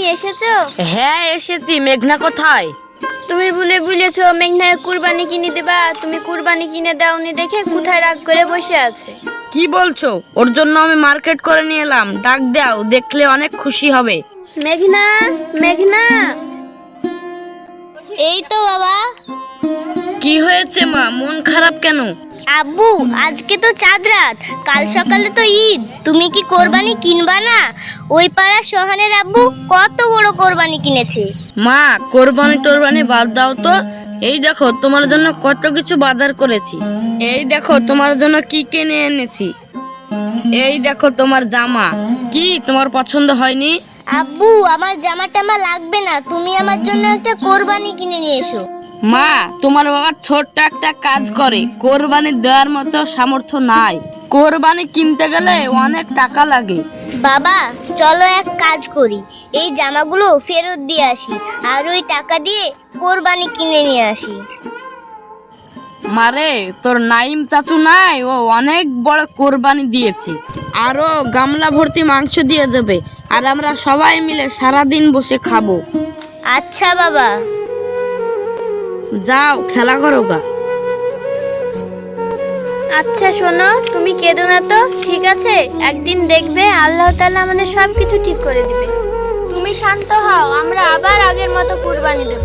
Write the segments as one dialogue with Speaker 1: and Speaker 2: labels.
Speaker 1: এসেছো?
Speaker 2: হ্যাঁ এসেছি। মেঘনা কোথায়?
Speaker 1: তুমি বলেছো মেঘনার কুরবানি কিনে দিবা, তুমি কুরবানি কিনে দাওনি দেখে কোথায় রাগ করে বসে আছে।
Speaker 2: কি বলছো? ওর জন্য আমি মার্কেট করে নিয়ে এলাম। ডাক দাও, দেখলে অনেক খুশি হবে।
Speaker 1: মেঘনা, মেঘনা। এই তো বাবা।
Speaker 2: কি হয়েছে মা, মন খারাপ কেন?
Speaker 1: আব্বু, আজকে তো চাঁদ রাত, কাল সকালে তো ঈদ, তুমি কি কোরবানি কিনবা না? ওই পাড়ার সোহানের আব্বু কত বড় কোরবানি কিনেছে।
Speaker 2: মা, কোরবানি টোরবানি বাদ দাও তো। এই দেখো তোমার জন্য কত কিছু বাজার করেছি। এই দেখো তোমার জন্য কি কিনে এনেছি। এই দেখো তোমার জামা। কি তোমার পছন্দ হয়নি?
Speaker 1: আব্বু, আমার জামা টামা লাগবে না, তুমি আমার জন্য একটা কোরবানি কিনে নিয়ে এসো।
Speaker 2: মা, তোমার বাবা ছোট্ট একটা কাজ করে, কোরবানি দেওয়ার মতো সামর্থ্য নাই। কোরবানি কিনতে গেলে অনেক টাকা লাগে।
Speaker 1: বাবা, চলো এক কাজ করি, এই জামাগুলো ফেরত দিয়ে আসি, আর ওই টাকা দিয়ে কোরবানি কিনে নিয়ে আসি।
Speaker 2: মারে, তোর নাইম চাচু নাই, ও অনেক বড় কোরবানি দিয়েছে। আরো গামলা ভর্তি মাংস দিয়ে যাবে, আর আমরা সবাই মিলে সারাদিন বসে খাবো।
Speaker 1: আচ্ছা বাবা।
Speaker 2: যাও খেলা করো গা।
Speaker 1: আচ্ছা শোনো, তুমি কেঁদো না তো, ঠিক আছে? একদিন দেখবে আল্লাহ তাআলা আমাদের সবকিছু ঠিক করে দিবে। তুমি শান্ত হও, আমরা আবার আগের মতো কুরবানি দেব।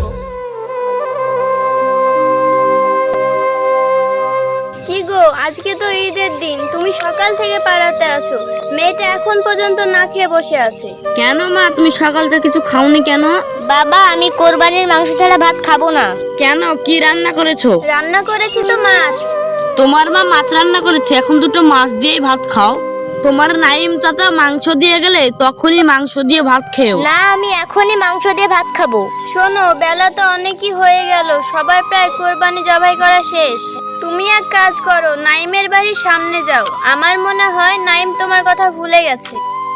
Speaker 1: কি গো, আজকে তো ঈদের দিন, তুমি সকাল থেকে পাড়াতে আছো, মেয়েটা এখন পর্যন্ত না খেয়ে বসে আছে।
Speaker 2: কেন মা, তুমি সকাল থেকে কিছু খাওনি কেন?
Speaker 1: বাবা, আমি কোরবানির মাংস ছাড়া ভাত খাবো না।
Speaker 2: কেন, কি রান্না করেছো?
Speaker 1: রান্না করেছি তো মাছ।
Speaker 2: তোমার মা মাছ রান্না করেছে, এখন দুটো মাছ দিয়েই ভাত খাও। তোমার নাইম চাচা মাংস দিয়ে গেলে তখনই মাংস দিয়ে ভাত খেও।
Speaker 1: না, আমি এখনই মাংস দিয়ে ভাত খাবো। শোনো, বেলা তো অনেকই হয়ে গেল, সবার প্রায় কোরবানি জবাই করা শেষ। তুমি এক কাজ করো, নাইমের বাড়ির সামনে যাও, আমার মনে হয় নাইম তোমার কথা ভুলে গেছে।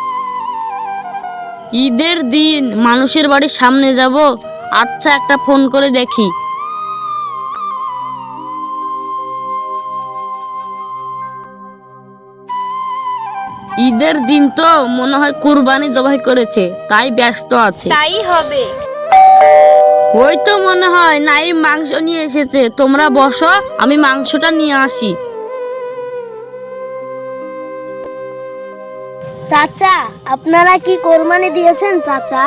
Speaker 2: ঈদের দিন মানুষের বাড়ির সামনে যাব? আচ্ছা, একটা ফোন করে দেখি। ঈদের দিন তো মনে হয় কুরবানি জবাই করেছে, তাই ব্যস্ত আছে।
Speaker 1: তাই হবে।
Speaker 2: ওই তো মনে হয় নাইম মাংস নিয়ে এসেছে। তোমরা বসো, আমি মাংসটা নিয়ে আসি।
Speaker 1: চাচা, আপনারা কি কোরবানি দিয়েছেন? চাচা,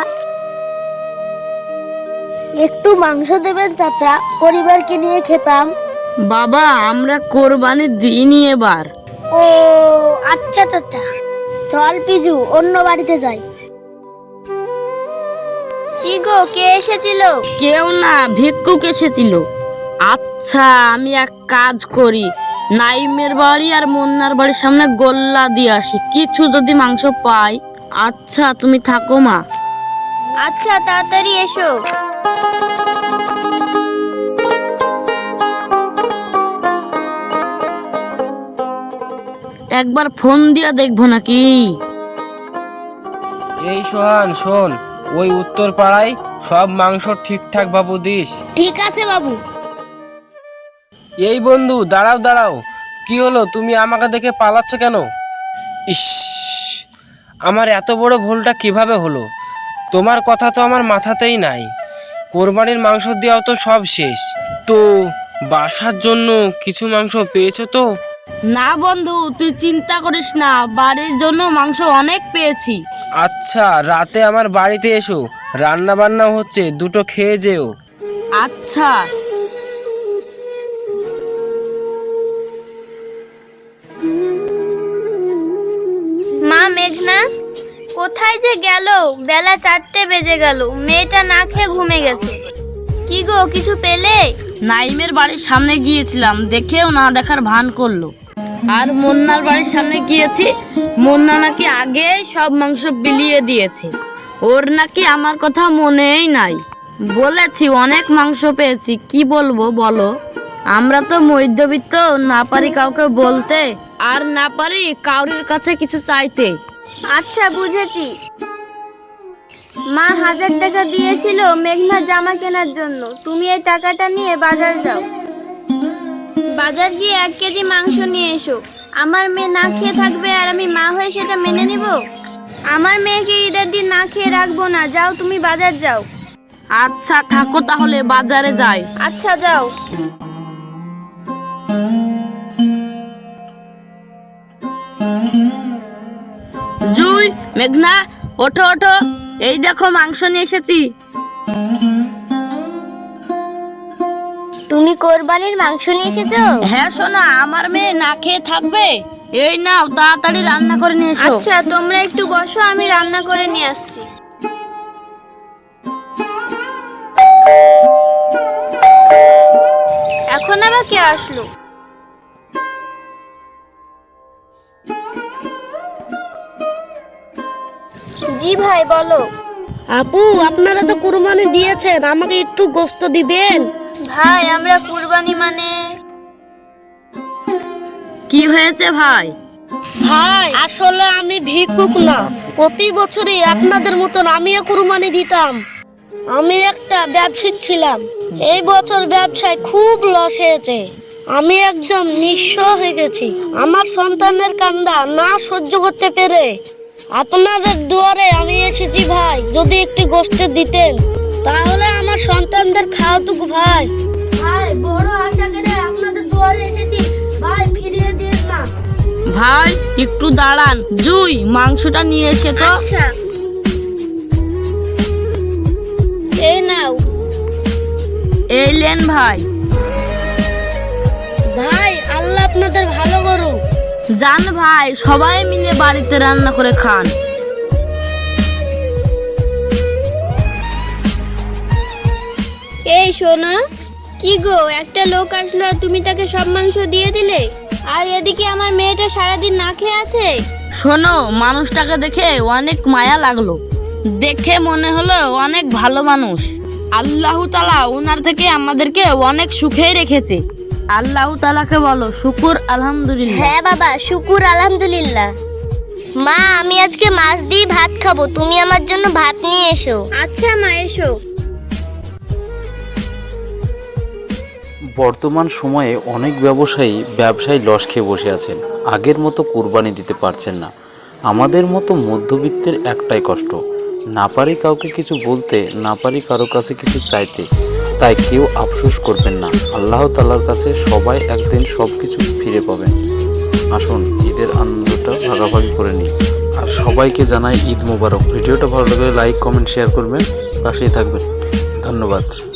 Speaker 1: একটু মাংস দেবেন চাচা, পরিবারকে নিয়ে খেতাম।
Speaker 2: বাবা, আমরা কোরবানি দিইনি এবার।
Speaker 1: ও আচ্ছা চাচা। চল পিজু, অন্য বাড়িতে যাই। কি গো, কে এসেছিল?
Speaker 2: কেউ না, ভিক্ষুক এসেছিল। আচ্ছা, আমি এক কাজ করি, নাইমের বাড়ি আর মুন্নার বাড়ির সামনে গোল্লা দিয়ে আসি, কিছু যদি মাংস পাই। আচ্ছা, তুমি থাকো মা।
Speaker 1: আচ্ছা, তাড়াতাড়ি এসো।
Speaker 2: একবার ফোন দিয়া দেখবো নাকি?
Speaker 3: এই সোহান, শোন, ওই উত্তর পাড়ায় সব মাংস ঠিকঠাক বাবু দিস।
Speaker 1: ঠিক আছে বাবু।
Speaker 3: এই বন্ধু, দাঁড়াও দাঁড়াও, কি হলো, তুমি আমাকে দেখে পালাচ্ছ কেন? ইস, আমার এত বড় ভুলটা কিভাবে হলো? তোমার কথা তো আমার মাথাতেই নাই। কোরবানির মাংস দেওয়াও তো সব শেষ, তো বাসার জন্য কিছু মাংস পেয়েছো তো?
Speaker 2: না বন্ধু, তুই চিন্তা করিস না, বাড়ির জন্য মাংস অনেক পেয়েছি।
Speaker 3: আচ্ছা, রাতে আমার বাড়িতে এসো, রান্না বান্না হচ্ছে, দুটো খেয়ে যেও।
Speaker 2: আচ্ছা।
Speaker 1: মা, মেঘনা কোথায় যে গেল? বেলা 4টে বেজে গেল, মেয়েটা না খেয়ে ঘুমে গেছে। কি গো, কিছু পেলে?
Speaker 2: নাইমের বাড়ির সামনে গিয়েছিলাম, দেখেও না দেখার ভান করলো। আর মুন্নার বাড়ির সামনে গিয়েছি, মুন্না নাকি আগে সব মাংস বিলিয়ে দিয়েছে। ওর নাকি আমার কথা মনেই নাই। বলেছি অনেক মাংস পেয়েছি, কি বলবো বলো? আমরা তো মধ্যবিত্ত, না পারি কাউকে বলতে, আর না পারি কাউরির কাছে কিছু চাইতে।
Speaker 1: আচ্ছা, বুঝেছি। মা 1000 টাকা দিয়েছিল মেঘনা জামা কেনার জন্য, তুমি এই টাকাটা নিয়ে বাজার যাও। বাজার গিয়ে 1 কেজি মাংস নিয়ে এসো। আমার মেয়ে না খেয়ে থাকবে, আর আমি মা হয়ে সেটা মেনে নিব? আমার মেয়েকে ঈদের দিন না খেয়ে রাখবো না, যাও তুমি বাজার যাও।
Speaker 2: আচ্ছা থাকো তাহলে, বাজারে যাই।
Speaker 1: আচ্ছা যাও।
Speaker 2: জুই, মেঘনা, ওঠো ওঠো, এই দেখো মাংস নিয়ে এসেছি।
Speaker 1: তুমি কোরবানির মাংস নিয়ে এসেছো?
Speaker 2: হ্যাঁ সোনা, আমার মেয়ে না খেয়ে থাকবে, এই নাও তাড়াতাড়ি রান্না করে নিয়ে এসো।
Speaker 1: আচ্ছা তোমরা একটু বসো, আমি রান্না করে নিয়ে আসছি। এখন আবার কে আসলো? জি ভাই বলো।
Speaker 4: আপু, আপনারা তো কুরবানি দিয়েছেন, আমাকে একটু গোশত দিবেন?
Speaker 1: ভাই আমরা কুরবানি মানে
Speaker 2: কি হয়েছে ভাই?
Speaker 4: ভাই আসলে আমি ভিক্ষুক না, প্রতি বছরই আপনাদের মতন আমিও কুরবানি দিতাম। আমি একটা ব্যবসায়ী ছিলাম, এই বছর ব্যবসায় খুব লস হয়েছে। আমি একদম নিঃস্ব হয়ে গেছি। আমার সন্তানের কান্না না সহ্য করতে পেরে আপনাদের দুয়ারে আমি এসেছি ভাই, যদি একটু গোশত দিতেন তাহলে আমার সন্তানদের খাওয়াতুক ভাই। ভাই বড় আশা করে আপনাদের দুয়ারে এসেছি ভাই, ফিরিয়ে দিন না।
Speaker 2: ভাই একটু দাঁড়ান, জুই মাংসটা নিয়ে এসে তো।
Speaker 1: আচ্ছা এই নাও।
Speaker 2: এই লেন ভাই।
Speaker 4: ভাই আল্লাহ আপনাদের ভালো করুক।
Speaker 2: জান ভাই, সবাই মিলে বাড়িতে রান্না করে খান।
Speaker 1: এই শোনো, কি গো, একটা লোক আসলো আর তুমি তাকে সব মাংস দিয়ে দিলে, আর এদিকে আমার মেয়েটা সারাদিন না খেয়ে আছে।
Speaker 2: শোনো, মানুষটাকে দেখে অনেক মায়া লাগলো, দেখে মনে হলো অনেক ভালো মানুষ। আল্লাহ তাআলা ওনার থেকে আমাদেরকে অনেক সুখে রেখেছে। আল্লাহ তাআলাকে বলো শুকুর আলহামদুলিল্লাহ।
Speaker 1: হ্যাঁ বাবা, শুকুর আলহামদুলিল্লাহ। মা আমি আজকে মাছ দিয়ে ভাত খাবো, তুমি আমার জন্য ভাত নিয়ে এসো। আচ্ছা মা, এসো।
Speaker 5: বর্তমান সময়ে অনেক ব্যবসায়ী লস খেয়ে বসে আছেন, আগের মতো কুরবানি দিতে পারছেন না। আমাদের মতো মধ্যবিত্তের একটাই কষ্ট, না পারি কাউকে কিছু বলতে, না পারি কারো কাছে কিছু চাইতে। তাই কেউ আফসোস করবেন না, আল্লাহ তাআলার কাছে সবাই একদিন সব কিছু ফিরে পাবেন। আসুন ঈদের আনন্দটা ভাগাভাগি করে নিই। আর সবাইকে জানাই ঈদ মোবারক। ভিডিওটা ভালো লাগলে লাইক, কমেন্ট, শেয়ার করবেন, পাশেই থাকবেন। ধন্যবাদ।